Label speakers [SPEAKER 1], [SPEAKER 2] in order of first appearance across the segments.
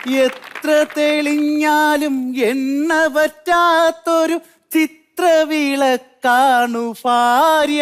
[SPEAKER 1] എത്ര തെളിഞ്ഞാലും എണ്ണ പറ്റാത്തൊരു ചിത്രവിളക്കാണു ഭാര്യ.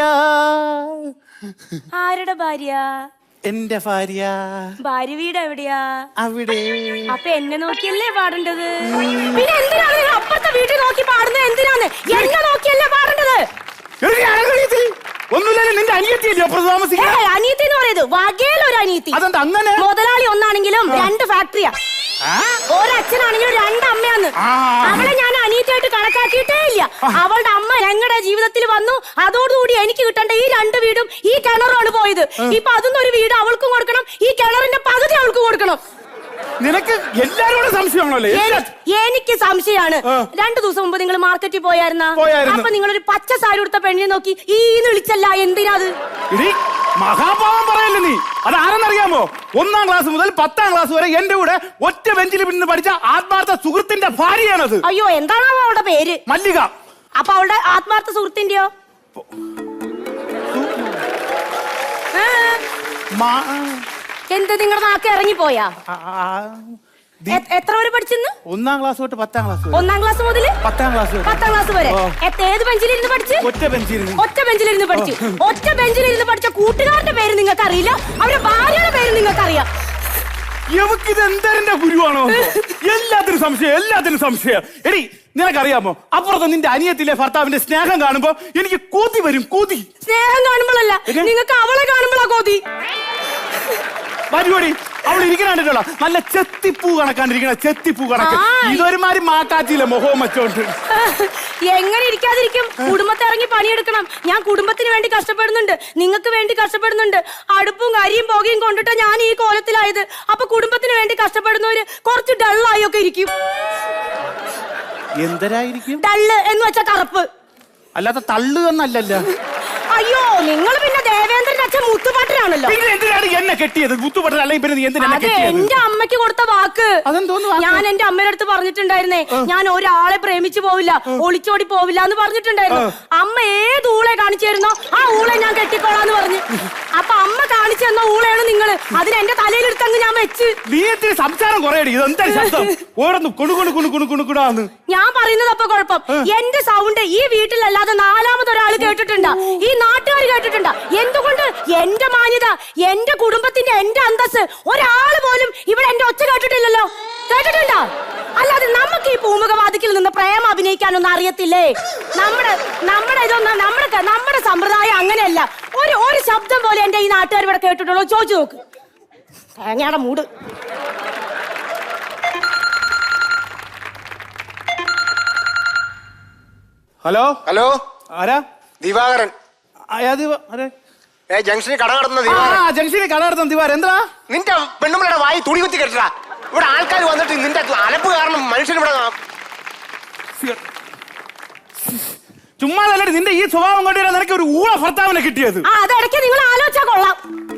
[SPEAKER 2] ആരുടെ ഭാര്യ?
[SPEAKER 1] എന്റെ ഭാര്യ.
[SPEAKER 2] ഭാര്യ വീട് എവിടെയാ?
[SPEAKER 1] അവിടെ.
[SPEAKER 2] അപ്പൊ എന്നെ നോക്കിയല്ലേ പാടേണ്ടത്? പിന്നെ എന്തിനാണ് നിങ്ങൾ അപ്പുറത്തെ വീട്ടിൽ നോക്കി പാടുന്നത്? എന്തിനാണ് എന്നെ നോക്കിയല്ലേ പാടേണ്ടത്?
[SPEAKER 1] ഒന്നുമില്ല, നിന്റെ അനിയത്തിയല്ലേ അപ്പുറത്ത് താമസിക്കുന്നത്?
[SPEAKER 2] അനിയത്തി എന്ന് പറയുന്നത് വകയിലൊരു അനിയത്തി.
[SPEAKER 1] അതെന്താ അങ്ങനെ?
[SPEAKER 2] മുതലാളി ഒന്നാണെങ്കിലും രണ്ട് ഫാക്ടറിയാ. ഒരച്ഛനാണെങ്കിലും രണ്ടമ്മയാന്ന്. അവളെ ഞാൻ അനിയത്തിയായിട്ട് കണക്കാക്കിയിട്ടേ ഇല്ല. അവളുടെ അമ്മ ഞങ്ങളുടെ ജീവിതത്തിൽ വന്നു. അതോടുകൂടി എനിക്ക് കിട്ടേണ്ട ഈ രണ്ട് വീടും ഈ കിണറുമാണ് പോയത്. ഇപ്പൊ അതൊന്നും ഒരു വീട് അവൾക്കും കൊടുക്കണം, ഈ കിണറിന്റെ പകുതി അവൾക്ക് കൊടുക്കണം.
[SPEAKER 1] നിനക്ക് എല്ലാരോടും സംശയമാണല്ലോ?
[SPEAKER 2] എനിക്ക് സംശയമാണ്. 2 ദിവസം മുമ്പ് നിങ്ങൾ മാർക്കറ്റിൽ പോയായിരുന്ന? അപ്പൊ നിങ്ങളൊരു പച്ച സാരി കൊടുത്ത പെണ്ണിനെ നോക്കി ഈന്ന് വിളിച്ചല്ല, എന്തിനാത്?
[SPEAKER 1] മഹാഭാവം പറയല്ലേ നീ. അത് ആരെന്നറിയാമോ? 1ാം ക്ലാസ് മുതൽ 10ാം ക്ലാസ് വരെ എന്റെ കൂടെ ഒറ്റ ബെഞ്ചിൽ നിന്ന് പഠിച്ച ആത്മാർത്ഥ സുഹൃത്തിന്റെ ഭാര്യയാണത്.
[SPEAKER 2] അയ്യോ, എന്താണോ അവളുടെ പേര്?
[SPEAKER 1] മല്ലിക.
[SPEAKER 2] അപ്പൊ അവളുടെ ആത്മാർത്ഥ സുഹൃത്തിന്റെയോ? എന്ത് നിങ്ങളുടെ നാക്ക് ഇറങ്ങിപ്പോയാ? എത്ര വരെ പഠിച്ചെന്ന്?
[SPEAKER 1] 1ാം ക്ലാസ് തൊട്ട് 10ാം ക്ലാസ്.
[SPEAKER 2] 1ാം ക്ലാസ് മുതൽ
[SPEAKER 1] 10ാം ക്ലാസ്
[SPEAKER 2] വരെ. ഏത് ബെഞ്ചിലിരുന്ന് പഠിച്ചു?
[SPEAKER 1] ഒറ്റ ബെഞ്ചിലിരുന്ന്
[SPEAKER 2] പഠിച്ചു. ഒറ്റ ബെഞ്ചിലിരുന്ന് പഠിച്ച കൂട്ടുകാരുടെ പേര് നിങ്ങൾക്ക് അറിയില്ല, അവരുടെ ഭാര്യയുടെ പേര് നിങ്ങൾക്ക് അറിയാം.
[SPEAKER 1] ഇത് എന്താ ഗുരുവാണോ? എല്ലാത്തിനും സംശയം. എടി, നിനക്കറിയാമോ, അപ്പുറത്ത് നിന്റെ അനിയത്തിലെ ഭർത്താവിന്റെ സ്നേഹം കാണുമ്പോ എനിക്ക് കൂതി വരും.
[SPEAKER 2] സ്നേഹം കാണുമ്പോഴല്ല, നിങ്ങൾക്ക് അവളെ കാണുമ്പോഴാ കോതി.
[SPEAKER 1] പരിപാടി അവൾ ഇരിക്കണ നല്ല ചെത്തിപ്പൂ കണക്കാണ്ടിരിക്കണ. ഇതൊരുമാതിരി മാക്കാച്ചില്ല മുഖവും വെച്ചോണ്ട്.
[SPEAKER 2] എങ്ങനെ ഇരിക്കാതിരിക്കും? കുടുംബത്തെ ഇറങ്ങി പണിയെടുക്കണം. ഞാൻ കുടുംബത്തിന് വേണ്ടി കഷ്ടപ്പെടുന്നുണ്ട്, നിങ്ങൾക്ക് വേണ്ടി കഷ്ടപ്പെടുന്നുണ്ട്. അടുപ്പും കരിയും പുകയും കൊണ്ടിട്ട് ഞാൻ ഈ കോലത്തിലായത്. അപ്പൊ കുടുംബത്തിന് വേണ്ടി കഷ്ടപ്പെടുന്നവര് കുറച്ച് ഡള്ളായൊക്കെ ഇരിക്കും.
[SPEAKER 1] എന്തരായിരിക്കും?
[SPEAKER 2] ഡള്ള് എന്ന് വെച്ചാ കറുപ്പ്,
[SPEAKER 1] അല്ലാതെ തള്ളു എന്നല്ലല്ലോ.
[SPEAKER 2] അയ്യോ, നിങ്ങൾ പിന്നെ ദേവേന്ദ്രന്റെ അച്ഛൻ മുത്തുപാട്ടനാണല്ലോ.
[SPEAKER 1] എന്തിനാണ് എന്നെ കെട്ടിയത്? മുത്തുപാട്ടൻ അല്ലെങ്കിൽ
[SPEAKER 2] എന്റെ അമ്മയ്ക്ക് കൊടുത്ത വാക്ക്. ഞാൻ എന്റെ അമ്മയുടെ അടുത്ത് പറഞ്ഞിട്ടുണ്ടായിരുന്നേ, ഞാൻ ഒരാളെ പ്രേമിച്ചു പോവില്ല, ഒളിച്ചോടി പോവില്ല എന്ന് പറഞ്ഞിട്ടുണ്ടായിരുന്നു. അമ്മ ഏത് ഊളെ കാണിച്ചായിരുന്നോ ആ ഊളെ ഞാൻ കെട്ടിക്കോളാന്ന് പറഞ്ഞു. അപ്പൊ അമ്മ കാണിച്ചു തന്ന ഊളയാണ് നിങ്ങള്. അതിന് എന്റെ തലയിലെടുത്തങ്ങ് ഞാൻ വെച്ച്.
[SPEAKER 1] സംസാരം
[SPEAKER 2] ഞാൻ പറയുന്നത് അപ്പൊ കുഴപ്പം. എന്റെ സൗണ്ട് ഈ വീട്ടിലല്ലാതെ 4മതൊരാൾ കേട്ടിട്ടുണ്ടാ? ഈ നാട്ടുകാർ കേട്ടിട്ടുണ്ടാ? എന്തുകൊണ്ട്? എന്റെ മാന്യത, എന്റെ കുടുംബത്തിന്റെ, എന്റെ അന്തസ് ഒരാള് പോലും ഇവിടെ എന്റെ ഒച്ച കേട്ടിട്ടില്ലല്ലോ. കേട്ടിട്ടുണ്ടോ? അല്ലാതെ നമുക്ക് ഈ പൂമുഖവാദിക്കിൽ നിന്ന് പ്രേമം അഭിനയിക്കാനൊന്നും അറിയത്തില്ലേ? നമ്മുടെ സമ്പ്രദായം അങ്ങനെയല്ല. ഒരു ശബ്ദം പോലെ എന്റെ ഈ നാട്ടുകാർ ഇവിടെ കേട്ടിട്ടുള്ളൂ. ചോദിച്ചു നോക്ക്. തേങ്ങയുടെ മൂട്.
[SPEAKER 1] ഹലോ. ആരാ?
[SPEAKER 3] ദിവാകരൻ. ജംഗ്ഷനിൽ കട നടത്തുന്ന
[SPEAKER 1] ദിവാരൻ. എന്താ
[SPEAKER 3] നിന്റെ പെണ്ണുമ്പളുടെ വായി തുണി കുത്തി കെട്ടാ? ഇവിടെ ആൾക്കാർ വന്നിട്ട് നിന്റെ അലപ്പ് കാരണം മനുഷ്യൻ ഇവിടെ
[SPEAKER 1] ചുമ്മാ നിന്റെ ഈ സ്വഭാവം കൊണ്ടുവരാൻ നിനക്ക് ഒരു ഊള ഭർത്താവിനെ കിട്ടിയത്.
[SPEAKER 2] അതെടയ്ക്ക് നിങ്ങൾ ആലോചിച്ചാ കൊള്ളാം.